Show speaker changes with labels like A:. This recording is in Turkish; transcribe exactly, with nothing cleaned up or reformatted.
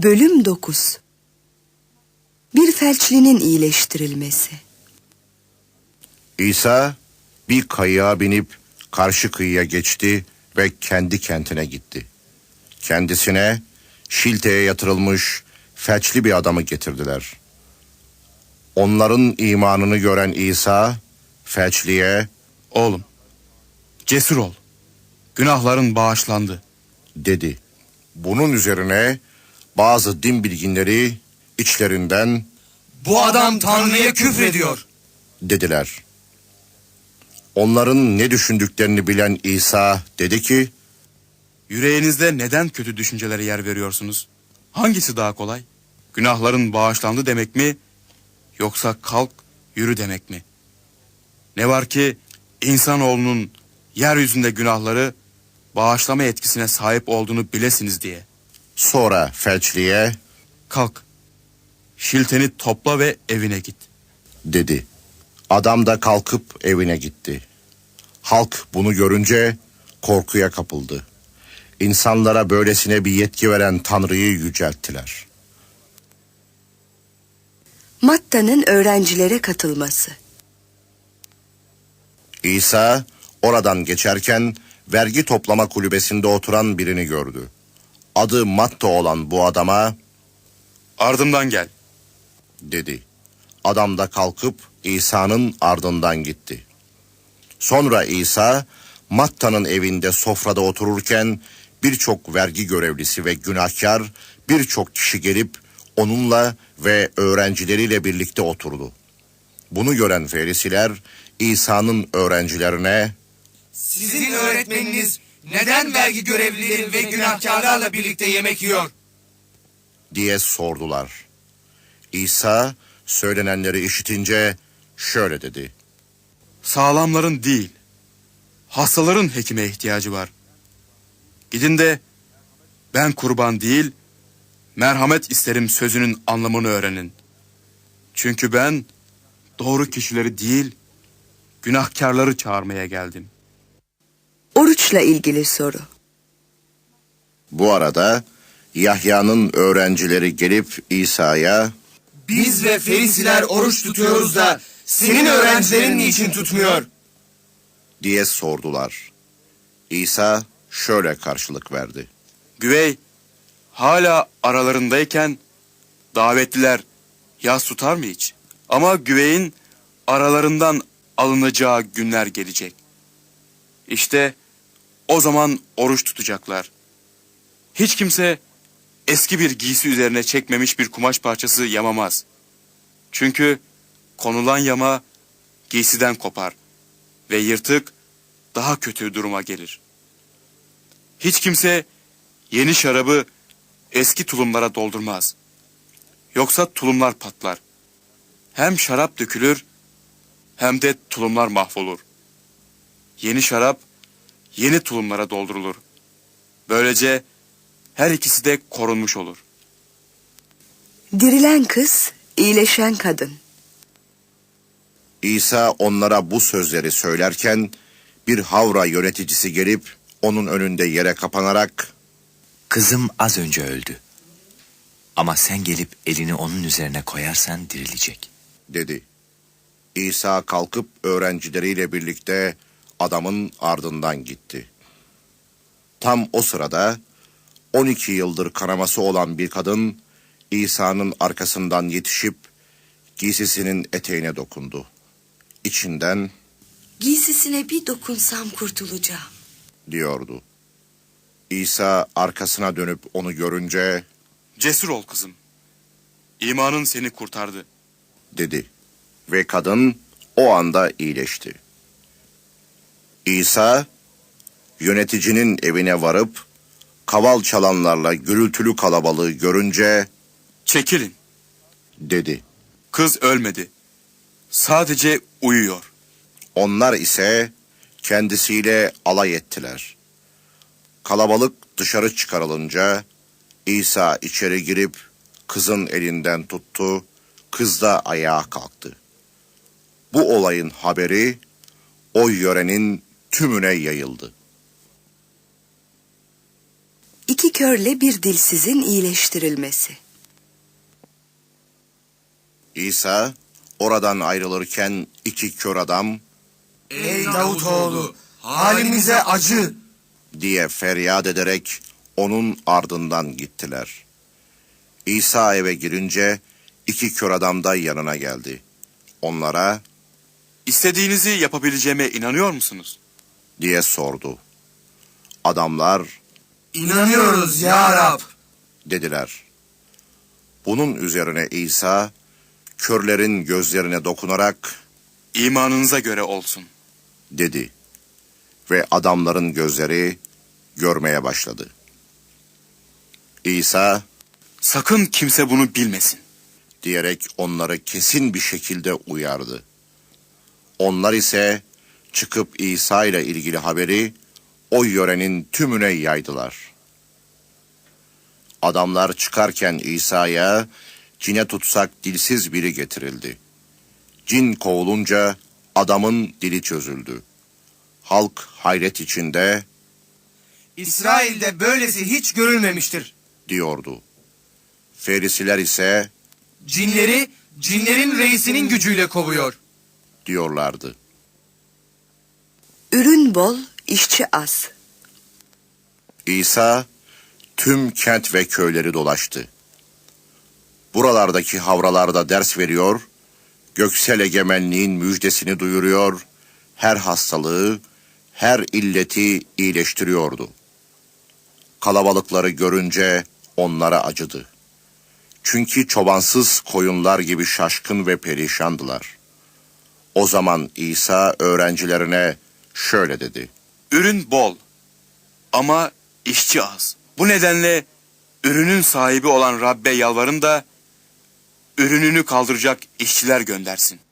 A: Bölüm dokuz. Bir felçlinin iyileştirilmesi.
B: İsa bir kayığa binip karşı kıyıya geçti ve kendi kentine gitti. Kendisine şilteye yatırılmış felçli bir adamı getirdiler. Onların imanını gören İsa felçliye
C: "Oğlum, cesur ol. Günahların bağışlandı."
B: dedi. Bunun üzerine bazı din bilginleri içlerinden
D: "Bu adam Tanrı'ya küfrediyor"
B: dediler. Onların ne düşündüklerini bilen İsa dedi ki,
C: Yüreğinizde neden kötü düşüncelere yer veriyorsunuz? Hangisi daha kolay? Günahların bağışlandı demek mi? Yoksa kalk, yürü demek mi? Ne var ki insanoğlunun yeryüzünde günahları bağışlama etkisine sahip olduğunu bilesiniz diye.
B: sonra felçliye
C: Kalk, şilteni topla ve evine git.
B: dedi. Adam da kalkıp evine gitti. Halk bunu görünce korkuya kapıldı. İnsanlara böylesine bir yetki veren Tanrı'yı yücelttiler.
A: Matta'nın öğrencilere katılması.
B: İsa oradan geçerken vergi toplama kulübesinde oturan birini gördü. Adı Matta olan bu adama
C: Ardımdan gel.
B: dedi. Adam da kalkıp İsa'nın ardından gitti. Sonra İsa Matta'nın evinde sofrada otururken birçok vergi görevlisi ve günahkar birçok kişi gelip onunla ve öğrencileriyle birlikte oturdu. Bunu gören Ferisiler İsa'nın öğrencilerine
D: "Sizin öğretmeniniz neden vergi görevlileri ve günahkarlarla birlikte yemek yiyor?"
B: diye sordular. İsa söylenenleri işitince şöyle dedi.
C: Sağlamların değil, hastaların hekime ihtiyacı var. Gidin de ben kurban değil, merhamet isterim sözünün anlamını öğrenin. Çünkü ben doğru kişileri değil, günahkarları çağırmaya geldim.
A: Oruçla ilgili soru.
B: Bu arada Yahya'nın öğrencileri gelip İsa'ya
D: "Biz ve Ferisiler oruç tutuyoruz da senin öğrencilerin niçin tutmuyor?"
B: diye sordular. İsa şöyle karşılık verdi.
C: Güvey hala aralarındayken davetliler yas tutar mı hiç? Ama güveyin aralarından alınacağı günler gelecek. İşte o zaman oruç tutacaklar. Hiç kimse eski bir giysi üzerine çekmemiş bir kumaş parçası yamamaz. Çünkü konulan yama giysiden kopar ve yırtık daha kötü duruma gelir. Hiç kimse yeni şarabı eski tulumlara doldurmaz. Yoksa tulumlar patlar. Hem şarap dökülür hem de tulumlar mahvolur. Yeni şarap yeni tulumlara doldurulur. Böylece her ikisi de korunmuş olur.
A: Dirilen kız, iyileşen kadın.
B: İsa onlara bu sözleri söylerken bir havra yöneticisi gelip onun önünde yere kapanarak
E: Kızım az önce öldü. Ama sen gelip elini onun üzerine koyarsan dirilecek.
B: dedi. İsa kalkıp öğrencileriyle birlikte adamın ardından gitti. Tam o sırada on iki yıldır kanaması olan bir kadın İsa'nın arkasından yetişip giysisinin eteğine dokundu. İçinden
A: Giysisine bir dokunsam kurtulacağım
B: diyordu. İsa arkasına dönüp onu görünce
C: Cesur ol kızım. İmanın seni kurtardı.
B: dedi ve kadın o anda iyileşti. İsa yöneticinin evine varıp kaval çalanlarla gürültülü kalabalığı görünce
C: Çekilin.
B: dedi.
C: Kız ölmedi. Sadece uyuyor.
B: Onlar ise kendisiyle alay ettiler. Kalabalık dışarı çıkarılınca İsa içeri girip kızın elinden tuttu, kız da ayağa kalktı. Bu olayın haberi o yörenin tümüne yayıldı.
A: İki körle bir dilsizin iyileştirilmesi.
B: İsa oradan ayrılırken iki kör adam
D: Ey Davutoğlu, halimize acı.
B: diye feryat ederek onun ardından gittiler. İsa eve girince iki kör adam da yanına geldi. Onlara
C: İstediğinizi yapabileceğime inanıyor musunuz?
B: diye sordu. Adamlar
D: İnanıyoruz ya Rab.
B: dediler. Bunun üzerine İsa körlerin gözlerine dokunarak
C: İmanınıza göre olsun.
B: dedi ve adamların gözleri görmeye başladı. İsa
C: Sakın kimse bunu bilmesin.
B: diyerek onları kesin bir şekilde uyardı. Onlar ise çıkıp İsa ile ilgili haberi o yörenin tümüne yaydılar. Adamlar çıkarken İsa'ya cine tutsak dilsiz biri getirildi. Cin kovulunca adamın dili çözüldü. Halk hayret içinde
D: İsrail'de böylesi hiç görülmemiştir.
B: diyordu. Ferisiler ise
D: Cinleri, cinlerin reisinin gücüyle kovuyor.
B: diyorlardı.
A: Ürün bol, işçi az.
B: İsa tüm kent ve köyleri dolaştı. Buralardaki havralarda ders veriyor, göksel egemenliğin müjdesini duyuruyor, her hastalığı, her illeti iyileştiriyordu. Kalabalıkları görünce onlara acıdı. Çünkü çobansız koyunlar gibi şaşkın ve perişandılar. O zaman İsa öğrencilerine şöyle dedi.
C: Ürün bol ama işçi az. Bu nedenle ürünün sahibi olan Rabbe yalvarın da ürününü kaldıracak işçiler göndersin.